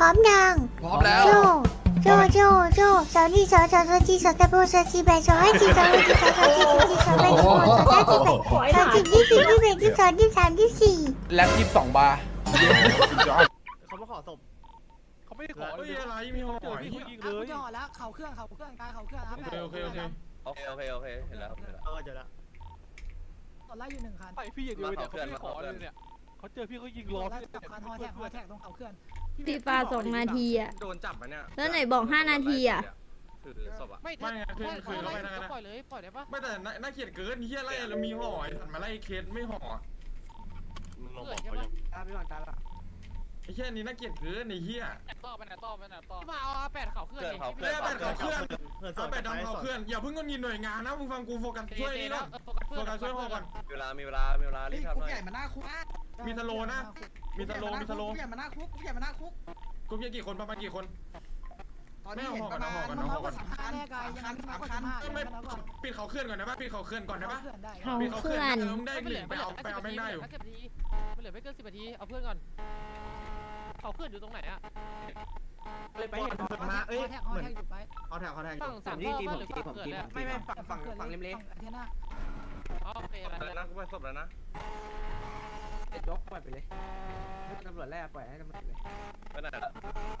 ร้อมยังพร้อมแล้วโจสาวนี่สาวจีสาวตะโบสาวจีแบสาวให้จีสาวให้จีสาวจีสาวจีสาวแบสาวสาวจีแบสาวจีที่แล็บ22 บาร์เขามาขอศพเขาไม่ได้ขอเฮ้ยอะไรมีหอเจอพี่เขายิงเลยจ่อแล้วเข่าเครื่องกายเข่าเครื่องครับโอเคเห็นแล้วเจอแล้วตอนไล่อยู่1 คันไปพี่อย่างเดียวเนี่ยเขาไม่ได้ขอเลยเนี่ยเขาเจอพี่เขายิงล้อไล่พี่จับคันฮอแท็กตรงเข่าเครื่องฟีฟา2 นาทีอ่ะโดนจับมาเนี่ยแล้วไหนบอก5 นาทีอ่ะคือศพอะไม่ไม่ไงคือเข้าไปนะปล่อยเลยปล่อยได้ปะไม่แต่น่าเกลียดเกินเฮียไล่แล้วมีห่อถัดมาไล่เคสไม่ห่อมึงลองบอกเขายังไอ้เฮียนี่น่าเกลียดเกินไอ้เฮียต่อไปไหนมาเอา8เขาเคลื่อนแม่แบดเขาเคลื่อนเอาแบดดำเขาเคลื่อนอย่าเพิ่งงนงินหน่วยงานนะมึงฟังกูโฟกัสช่วยนี่นะโฟกัสช่วยห่อก่อนมีเวลารีบทำหน่อยมีสโลนะมีสโลใหญ่มาหน้าคุกใหญ่มาหน้าคุกกูมีกี่คนประมาณกี่คนตอนนี้เห็นประมาณมันมากกว่า3 คันแน่กายยังมากกว่า15 ไม่ปิดเขาเคลื่อนก่อนได้ปะปิดเขาเคลื่อนก่อนได้ปะได้เขาปิดเขาเคเคลื่ลื่ออน นมึงได้หนึ่งไปเอาแม่งได้อยู่มันเหลือไม่เกิน10 นาทีเอาเพื่อนก่อนเขาเคลื่อนอยู่ตรงไหนอะไปเห็นมาเอ้ยแท็กฮอแท็กอยู่ไปเอาแถวเขาแทงฝั่ง3ข้อหรือฝั่งเกิดแล้วไม่ฝั่งเล็กเทียน่าโอเคอะไรแล้วนะกูไปศพแล้วนะยกปล่อยไปเลยตำรวจแรกปล่อยให้ตำรวจเลยไปไหนละ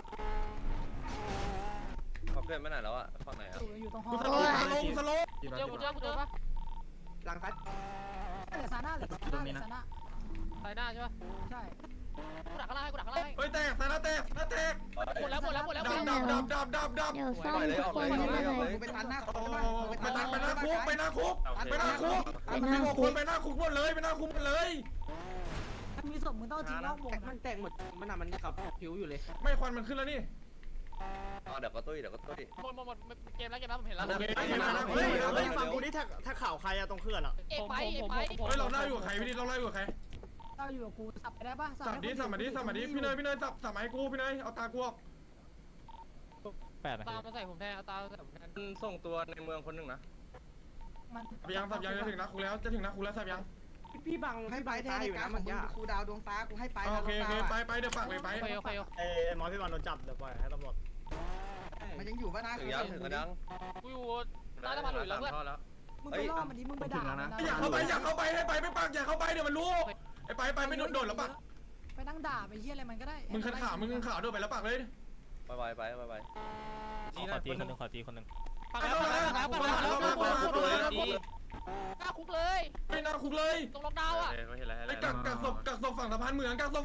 เขาเพื่อนไปไหนแล้วอะฝั่งไหนอะอยู่ตรงฮอกูสโลกูเจอปะหลังซัดเหลือซาน่าเหลือซาน่าไปหน้าใช่ปะใช่กูดักข้างล่างให้เฮ้ยแตกแต่ละแตกหมดแล้วดับเดี๋ยวซ่อมทุกคนไม่เป็นไรกูไปตันหน้าคุกไปหน้าคุกไปหน้าคุกไปหน้าคุกหมดเลยไปหน้าคุกหมดเลยมีศพมึงต้องทิ้งนอกวงมันแตกหมดมันขับผิวอยู่เลยไม่ควันมันขึ้นแล้วนี่เดี๋ยวก็ตุ้ยหมดเกมแล้วผมเห็นแล้วฝั่งกูนี่ถ้าข่าวใครอะตรงเคลื่อนอะเอกไปเฮ้ยเราไล่อยู่กับใครพี่ดิเราไล่อยู่กับใครเราอยู่กับกูสับไปได้ป่ะสัมมาดิพี่เนยสับไม้กูพี่เนยเอาตากูออกตามาใส่ผมแทนตาใส่ผมแทนส่งตัวในเมืองคนหนึ่งนะมันสับยังจะถึงนักคุกแล้วสับยังพี่บังให้ไปแทนในการของมึงครูดาวดวงตากูให้ไปโอเคไปเดี๋ยวฝากเลยไปโอเคไอ้หมอพี่บอลโดนจับเดี๋ยวปล่อยให้ตำรวจมันยังอยู่ป่ะนะถึงยังกูอยู่ใต้สะพานหลุยแล้วเพื่อนมึงไปล่อมันดิมึงไปด่ามันนะอยากเข้าไปให้ไปไม่ปากอยากเข้าไปเดี๋ยวมันรู้ไอ้ไปไม่โดนแล้วปะไปนั่งด่าไปเยี่ยอะไรมันก็ได้มึงขันข่าวโดนไปแล้วปากเลยไปขอตีคนหนึ่งปักแล้วหน้าคุกเลยไม่น่าคุกเลยตรงล็อกดาวน์อ่ะไอ้กักศพฝั่งสะพานเหมืองเข้า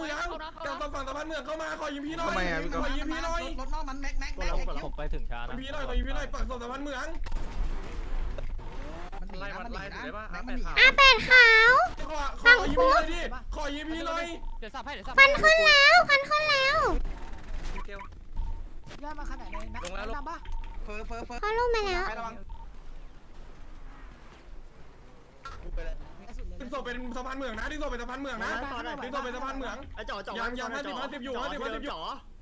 มาขอยิงพี่หน่อยรถนอกมันแม็กผมไปถึงช้านะพี่หน่อยปักศพสะพานเหมืองมันหนีนะมันหนีนะแม็กมันหนีเป็ดขาวขอยิงพี่เลยดิขอยิงพี่เลยเดี๋ยวสับให้ควันขึ้นแล้วย่ามาขนาดไหนนะดำป่ะเฟอเขาลงมาแล้วระวังดึงศพเป็นสะพานเหมืองนะดึงศพเป็นสะพานเหมืองนะดึงศพเป็นสะพานเหมืองไอ้จ่อยัง50อยู่50อยู่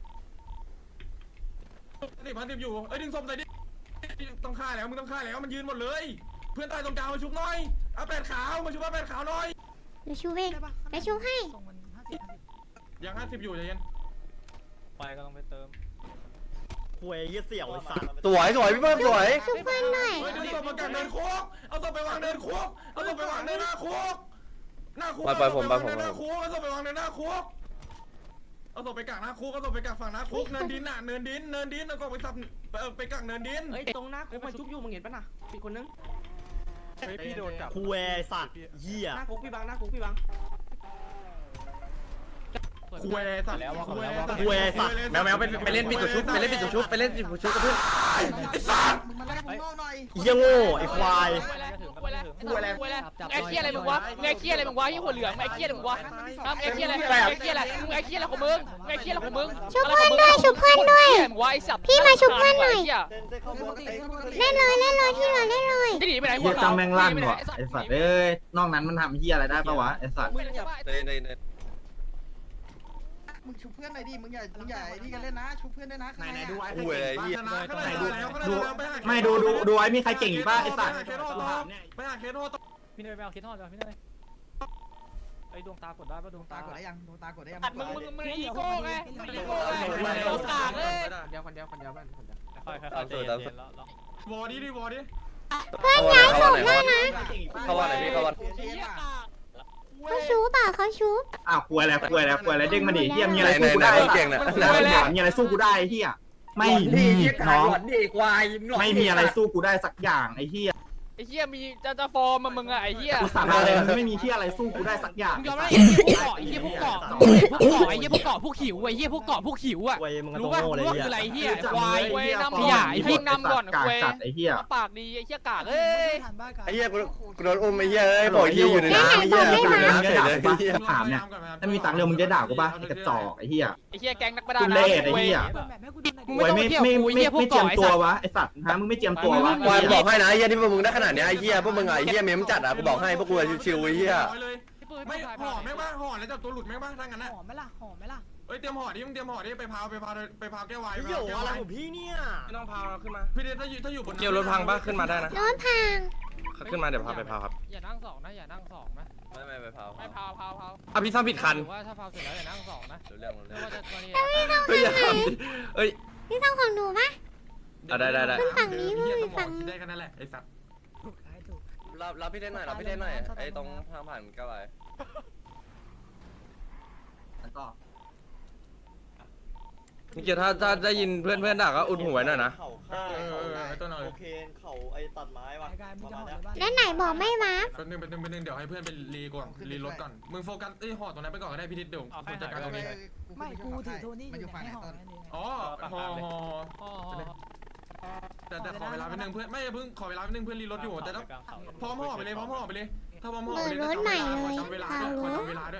เอ้ยดึงศพใส่ดิต้องฆ่าแล้วมึงต้องฆ่าแล้วมันยืนหมดเลยเพื่อนตายตรงกลางมาชุบหน่อยเอา8ขาวมาชุบ8ขาวหน่อยเดี๋ยวชูเองเดี๋ยวชูให้ส่งมัน50 ยัง50อยู่ใจเย็นไปก็ต้องไปเติมหวยเสี่ยวไอ้สัตว์สวยพี่เพิ่มสวยชูเพื่อนหน่อยเฮ้ยดึงศพมากักเดินคุกเอาศพไปวางเดินคุกเอาศพไปวางเดินหน้าคุกเอาศพไปวางเดินหน้าคุกเอาศพไปวางเดินหน้าคุกเอาศพไปกักหน้าคุกเอาศพไปกักฝั่งหน้าคุกเนินดินน่ะเนินดินแล้วก็ไปสับไปกักเนินดินเฮ้ยตรงหน้าคุกมันชุบอยู่มึงเห็นป่ะนะมีคนนึงพี่โดนจับคุยสัตว์เหี้ยหน้าคุกพี่บังหน้าคุกพี่บังคุยสัตว์แมวไปเล่นปิดตัวชุบกับเพื่อนไอ้สัตว์มึงมาได้ผมนอกหน่อยเหี้ยโง่ไอ้ควายไอ้เคี้ยอะไรมึงวะไอ้เคี้ยอะไรมึงวะยี่หัวเหลืองไอ้เคี้ยอะไรมึงวะไอ้เคี้ยอะไรไอ้เคี้ยอะไรของมึงไอ้เคี้ยอะไรของมึงชูเพื่อนด้วยมึงวะไอ้สัตว์พี่มาชุบเพื่อนหน่อยเล่นเล่นเลยที่เราเล่นเลยจะหนีไปไหนหัเฮีวยจำแมงลั่นว่ะไอสัตว์เอ้ยนอกนั้นมันทำเฮียอะไรได้ปะวะไอสัตว์มึงชุบเพื่อนหน่อยดิมึงอย่านี่กันเล่นนะชุบเพื่อนด้วยนะไหนดูไว้คุยอะไรเหี้ยไม่ดูไอ้มีใครเก่งอีกป่ะไอสัตว์ไปหาเคโนต่อพี่เนยไปเอาคิดทอดเลยพี่เนยไอ้ดวงตากดได้ปะดวงตาตากดได้ยังดวงตากดได้ยังตัดมึงอีโก้ไงอีโก้ไงโดนกากเลยเดียวคนเดียวบ้านคนเดียวค่อยๆใจเย็นๆแล้ววอร์ดิวอร์ดิเพื่อนย้ายศพได้นะเข้าวันไหนพี่เข้าวันเขาชูเปล่าเขาชูอ้าวกลัวแล้วเด้งมาดิเฮียมีอะไรสู้กูได้เก่งนะมีอะไรสู้กูได้เฮียไม่มีน้องไม่มีอะไรสู้กูได้สักอย่างไอ้เฮียไอ้เหี้ยมีจะฟอร์มมึงอะไอ้เหี้ยกูสาบานเลยไม่มีเฮียอะไรสู้กูได้สักอย่างมึงยอมรับไอ้เหี้ยพวกเกาะไอ้เหี้ยพวกเกาะไอ้เหี้ยพวกเกาะพวกหิวไอ้เหี้ยพวกเกาะพวกหิวอะรู้ป่ะรู้ว่าคืออะไรเหี้ยควายขยะไอ้พิงนำก่อนกาควายจัดไอ้เฮียปากดีไอ้เหี้ยกากเอ้ยไอ้เหี้ยกูโดนอุ้มไอ้เหี้ยเอ้ยบอกเหี้ยอยู่ในน้ำไอ้เหี้ยน้ำเฉยเลยถามเนี่ยถ้ามีตังค์เร็วมึงจะด่ากูป่ะไอ้กระจอกไอ้เฮียไอ้เหี้ยแก๊งนักประดาทุน้ำเล่ไอ้เฮียมึงไม่ต้องมาเที่ยวกูไอ้เหี้ยพวกไม่เจียเกาะมไอ้ตัวสัตว์วะไอ้สัตว์ฮะมึงไม่เจียมตัววะวายบอกให้นะไอ้เหี้ยที่พวกมึงได้ขนาดเนี้ยไอ้เหี้ยพวกมึงไอ้เหี้ยเมมจัดอ่ะกูบอกให้พวกกูชิวๆไอ้เหี้ยไม่ห่อแม่งบ้างห่อแล้วจับตัวหลุดแม่งบ้างถ้างั้นนะหอมไหมล่ะเอ้ยเตรียมห่อดิมึงเตรียมห่อดิไปพาวแก้ววายเหี้ยอะไรของพี่เนี่ยไม่ต้องพาขึ้นมาพี่เดชถ้าอยู่บนเกี่ยวรถพังปะขึ้นมาได้นะรถพังขึ้นมาเดี๋ยวพาไปพาครับอย่านั่งสองนะอย่านั่งสองนะไม่ไปพาไม่พาวอ่ะพี่ซ้ำผิดคันว่าถ้าพาวเสร็จแล้วอย่านั่งสองนะเรื่องไม่ว่าจะตัวนี้เฮ้ยอย่าทำดิเอ้ยพี่ต้องของหนูปะได้ขึ้นฝั่งนี้เพื่อฝั่งได้กันนั่นแหละไอ้สัตว์ถูกรับพี่เล่นหน่อยรับพี่เล่นหน่อยไอ้ตรงทางผ่านก็ไปแล้วก็นี่เกียร์ถ้าได้ยินเพื่อนด่าก็อุดหูไว้หน่อยนะต้นเอาโอเคเขาไอ้ตัดไม้ว่ะกายมึงจะหอมในบ้านแล้วไหนบอกไม่มาเป็นนึงเดี๋ยวให้เพื่อนไปรีก่อนรีรถก่อนมึงโฟกัสห่อตรงนั้นไปก่อนก็ได้พี่นิดเดี๋ยวกูจัดการตรงนี้ไม่กูถือโทนี่อยู่ไหนให้หอมนั่นเองอ๋อห่อแต่ขอเวลาไปนึงเพื่อนไม่เพิ่งขอเวลาไปนึงเพื่อนรีรถอยู่แต่ต้องพร้อมห่อไปเลยถ้าพร้อมห่อไปเลยจำเวลาด้วย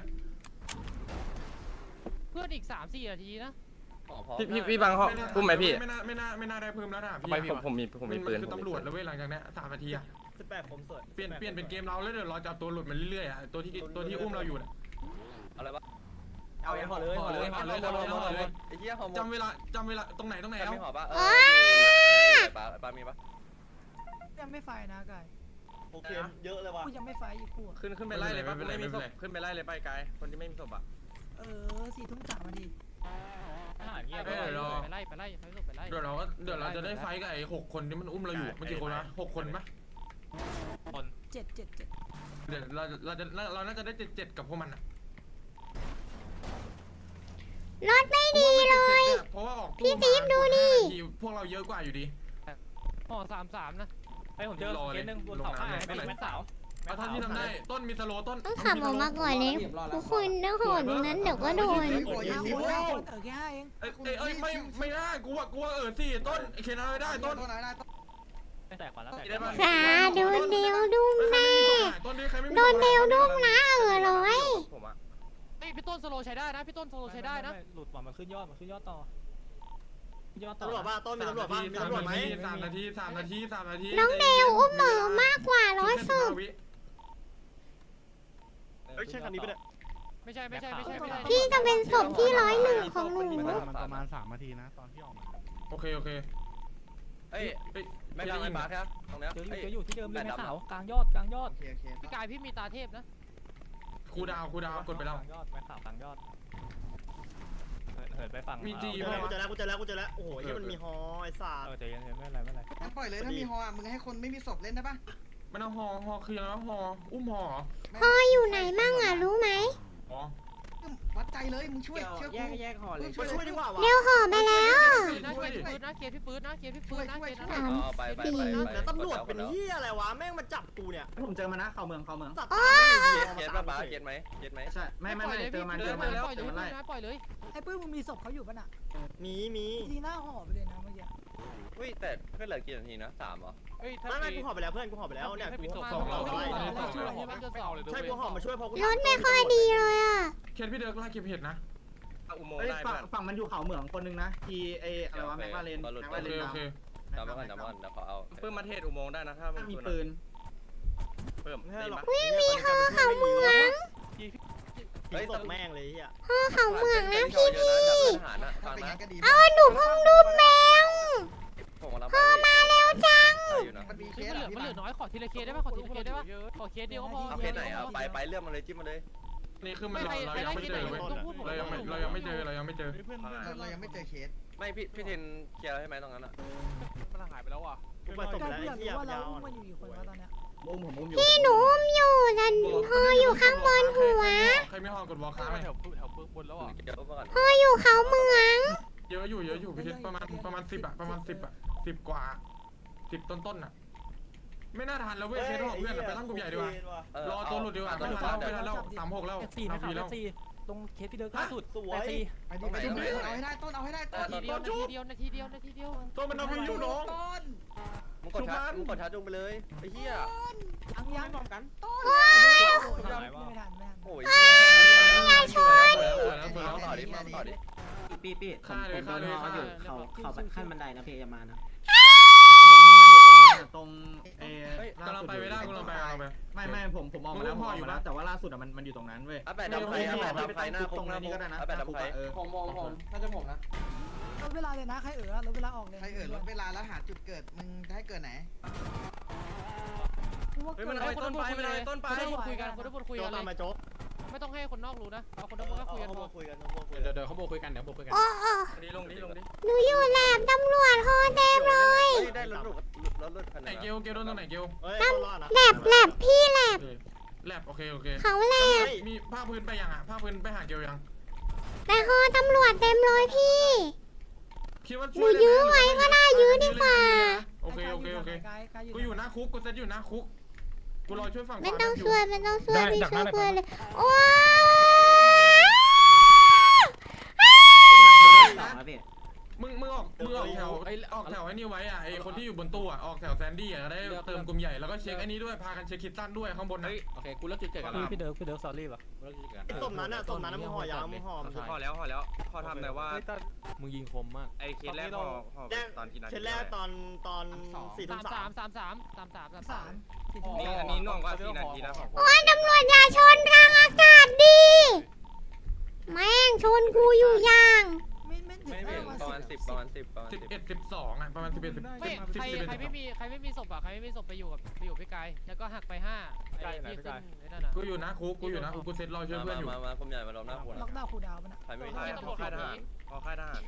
เพื่อนอีก3-4 นาทีนะพี่บังเขาอุ้มไหมพี่ไม่น่าได้เพิ่มแล้วนะพี่ผมมีปืนคือตำรวจแล้วเว้ยหลังจากนี้3 นาทีอะเปลี่ยนเป็นเกมเราแล้วเดี๋ยวเราจะเอาตัวหลุดมาเรื่อยๆอะตัวที่อุ้มเราอยู่น่ะอะไรวะเอาห่อเลยไอ้เหี้ยห่อจำเวลาตรงไหนไม่เอาห่อปะปลามีปะยังไม่ไฟนะกายโอเคเยอะเลยว่ะกูยังไม่ไฟอีกกูขึ้นไปไล่เลยปะไม่มีศพขึ้นไปไล่เลยไปไกลคนที่ไม่มีศพอ่ะ 4 ทุ่ม 3 นาทีเงียบไปไล่ไปไล่เดี๋ยวเราจะได้ไฟกับไอ้6 คนที่มันอุ้มเราอยู่มันกี่คนนะ6 คนไหม 7 เดี๋ยวเราน่าจะได้7กับพวกมันอะรถไม่ดีเลยเพราะว่าออกพี่ติ๊บดูนี่พวกเราเยอะกว่าอยู่ดีห่อ33นะไอ้ผมเจอเคสนึงบนเขาข้างเป็นแม่สาวเอาเท่าที่ทำได้ต้นมีสโลต้นต้องขับออกมาก่อนเลยทุกคนต้องโหดตรงนั้นเดี๋ยวก็โดนแค่เองเอ้ยไม่ได้กูว่าสิต้นเคนอะไรได้ต้นไม่แตกกว่าแล้วสาโดนเดียวดุ้มแน่ต้นนี้ใครไม่มีโดนเดียวดุ้มนะร้อยผมอ่ะพี่ต้นสโลใช้ได้นะพี่ต้นสโลใช้ได้นะหลุดมันขึ้นยอดต่อตำรวจป่ะต้นมีตำรวจป่ะมีตำรวจไหม 3 นาทีน้องเดวอุ้มหมอมากกว่า100ศพเฮ้ยใช่คันนี้ปะเนี่ยไม่ใช่พี่จะเป็นศพที่101ของหนูมันประมาณ3 นาทีนะตอนที่ออกมาโอเคเอ้ยไม่ดังไอ้ปาร์คครับตรงเนี้ยเจออยู่ที่เดิมเลยแม่สาวกลางยอดพี่กายพี่มีตาเทพนะครูดาวกดไปแล้วกลางยอดแม่สาวกลางยอดเหินไปฝั่งกูเจอแล้วโอ้โหที่มันมีฮอไอ้สาใจเย็นไม่เป็นไรงั้นปล่อยเลยถ้ามีฮอมึงให้คนไม่มีศพเล่นได้ปะมันเอาฮอคือแล้วฮออุ้มฮอพ่ออยู่ไหนมั่งอ่ะรู้ไหมอ๋อวัดใจเลยมึงช่วยเชื่อกูแยกห่อเลยช่วยดีกว่าเร็วห่อไปแล้วเคลียร์พี่ปืนนะแล้วตำรวจเป็นเหี้ยอะไรวะแม่งมาจับกูเนี่ยผมเจอมานะเข้าเมืองเก็ตป่ะป้าเก็ตไหมใช่ไม่เจอมาปล่อยเลยไอ้ปื้มมึงมีศพเขาอยู่ป่ะน่ะมีทีหน้าห่อไปเลยนะเมื่อกี้อุ้ยแต่เพื่อนเหลือกี่นาทีนะ3เหรอเฮ้ยถ้าไม่กูห่อไปแล้วเพื่อนกูห่อไปแล้วเนี่ยกูใช่กูห่อมาช่วยพอกูรถไม่ค่อยดีเลยอ่ะเคนพี่เดิร์กไล่เก็บเห็ดนะอุโมงค์ได้เพื่อนฝั่งมันอยู่เขาเหมืองคนนึงนะทีไออะไรวะแม็กลาเรนโอเคจำไว้ก่อนเดี๋ยวขอเอาเพิ่มมาเทศอุโมงค์ได้นะถ้ามีปืนเพิ่มไม่หรอกมีห่อเขาเมืองเฮ้ยตบแม่งเลยอ่ะห่อเขาเมืองนะพี่ถ้าเป็นงั้นก็ดีเอาหนูเพิ่งดูแมวพ่อมาเร็วจังมันมีเคมันสเหลือน้อยขอทีละเคได้ป่ะขอทีละเคได้ป่ะขอเคสเดียวก็พอเอาเคสไหนเอาไปเรื่องมาเลยจิ้มมาเลยนี่คือมันเรายังไม่เจอเว้ยเรายังไม่เจอเรายังไม่เจอเคสไม่พี่เทนเคลียร์ให้ไหมตรงนั้นอ่ะมันหายไปแล้วอ่ะกายกูอยากรู้ว่าเราอุ้มมันอยู่กี่คนวะตอนเนี้ยผมอุ้มอยู่พี่หนูอุ้มอยู่แต่พออยู่ข้างบนหัวใครไม่ห่อกดวอลค้าไหมแถวบนแล้วอ่ะเดี๋ยวมาก่อนพออยู่เขาเมืองเยอะอยู่พี่คิดประมาณ10 ประมาณ10 กว่า10ต้นอ่ะไม่น่าทันแล้วเว้ยเคสของเพื่อนไปตั้งกลุ่มใหญ่ดีกว่ารอตัวหลุดดีกว่าไม่ทันแล้ว36แล้ว 4นะครับ 4ตรงเคสที่เดินล่าสุด84 ไปดิไปดิเอาให้ได้ต้นเอาให้ได้ต้นนาทีเดียวนาทีเดียวตัวมันเอาไปอยู่น้องต้นมึงกดชาร์จจุงไปเลยไอ้เหี้ยยังพร้อมกันไม่ทันโอ้ยต่อดิพี่ผมโดนฮออยู่เขาขั้นบันไดนะพี่อย่ามานะตรงกำลังไปไม่ได้กำลังไปไม่ผมออกมาแล้วแต่ว่าล่าสุดอ่ะมันอยู่ตรงนั้นเว้ยแปดดำไฟหน้าคุกนี่ก็ได้นะแปดดำไฟผมน่าจะผมนะลดเวลาเลยนะใครลดเวลาออกเลยใครลดเวลาแล้วหาจุดเกิดมึงจะให้เกิดไหนมันเอาต้นไปคนคุยกันเลยไม่ต้องให้คนนอกรู้นะเอาคนนอกก็คุยกันพอเดี๋ยวเขาโบคุยกันเดี๋ยวโบคุยกันโอ้ลงดิหนูอยู่แลบตำรวจโคเต็มเลยได้รถคันไหไหนนเกลโดนตรงไหนเกลแลบพี่แลบแลบโอเคเขาแลบมีผ้าพื้นไปยังอ่ะผ้าพื้นไปหาเกลยังแต่คอตำรวจเต็มเลยพี่คิดว่าหนูยื้อไว้ก็ได้ยื้อดีกว่าโอเคกูอยู่หน้าคุกกูเซตอยู่หน้าคุกกูรอช่วยฝั่งไม่ต้องช่วยพี่ช่วยเพื่อนเลยโอ้มึงออกแถวไอ้นี่ไว้อ่ะไอ้คนที่อยู่บนตู้อ่ะออกแถวแซนดี้อ่ะได้เติมกลุ่มใหญ่แล้วก็เช็คไอ้นี้ด้วยพากันเช็คคิดตันด้วยข้างบนนะโอเคกูเลิกจุดเกิดกันแล้วพี่เดิร์กซอรี่ป่ะส้มนั้นมึงห่อยาวมึงห่อแล้วพอทำแต่ว่ามึงยิงคมมากไอ้เคสแรกห่อตอนกี่นาทีเคสแรกตอน4:33 นี่อันนี้น่วงกว่า4 นาทีแล้วโอ้ยตำรวจอย่าชนทางอากาศดิแม่งชนกูอยู่ย่างไม่ถึงประมาณ10 11 12อ่ะประมาณ11 ไม่ใครไม่มีศพอ่ะใครไม่มีศพไปอยู่พี่กายแล้วก็หักไป5ไอ้ที่ขึ้นไอ้นั่นน่ะกูอยู่หน้าคุกกูเซตรอช่วยเพื่อนอยู่มากลุ่มใหญ่มาล้อมหน้าหัวล็อกดาวน์คูดาวน์มันอ่ะใครไม่ใช่ใช่ตำรวจค่ายทหารค่ายทหาร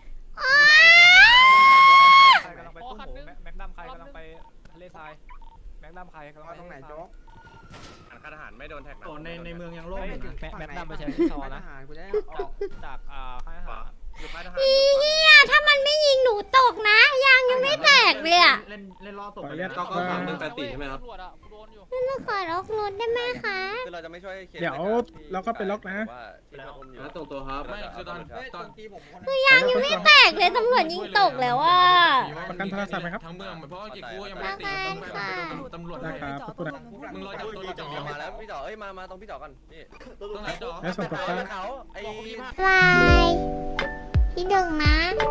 ใครกำลังไปตุ้มแม็กดัมใครกำลังไปทะเลทรายแม็กดัมใครกำลังไปตรงไหนโจ๊กค่ายทหารไม่โดนแท็กนะในเมืองยังโล่งอยู่นะแม็กดัมไปใช้ซอนะจากค่ายทหารอยู่ค่ายทหารเฮียถ้ามันไม่ยิงหนูตกนะยางยังไม่แตกเลยอ่ะเล่นล่อศพก็184ใช่ไหมครับตำรวจอ่ะโดนอยู่แล้วขอล็อกรถได้ไหมคะคือเราจะไม่ช่วยเคสเดี๋ยวเราก็ไปล็อกนะแล้วตรงตัวครับไม่คือตอนตีผมคนคือยางยังไม่แตกเลยตำรวจยิงตกแล้วอ่ะประกันโทรศัพท์ไหมครับทั้งเมืองเพราะว่ากูยังไม่ได้ตีตำรวจได้ครับขอบคุณนะมึงรอจับตัวเราจับเดียวมาแล้วพี่จ๋อมาตรงพี่จ๋อกันนี่ตรงไหนจ๋อแล้วส่งตัวเขาไอ้วายที่หนึ่งนะ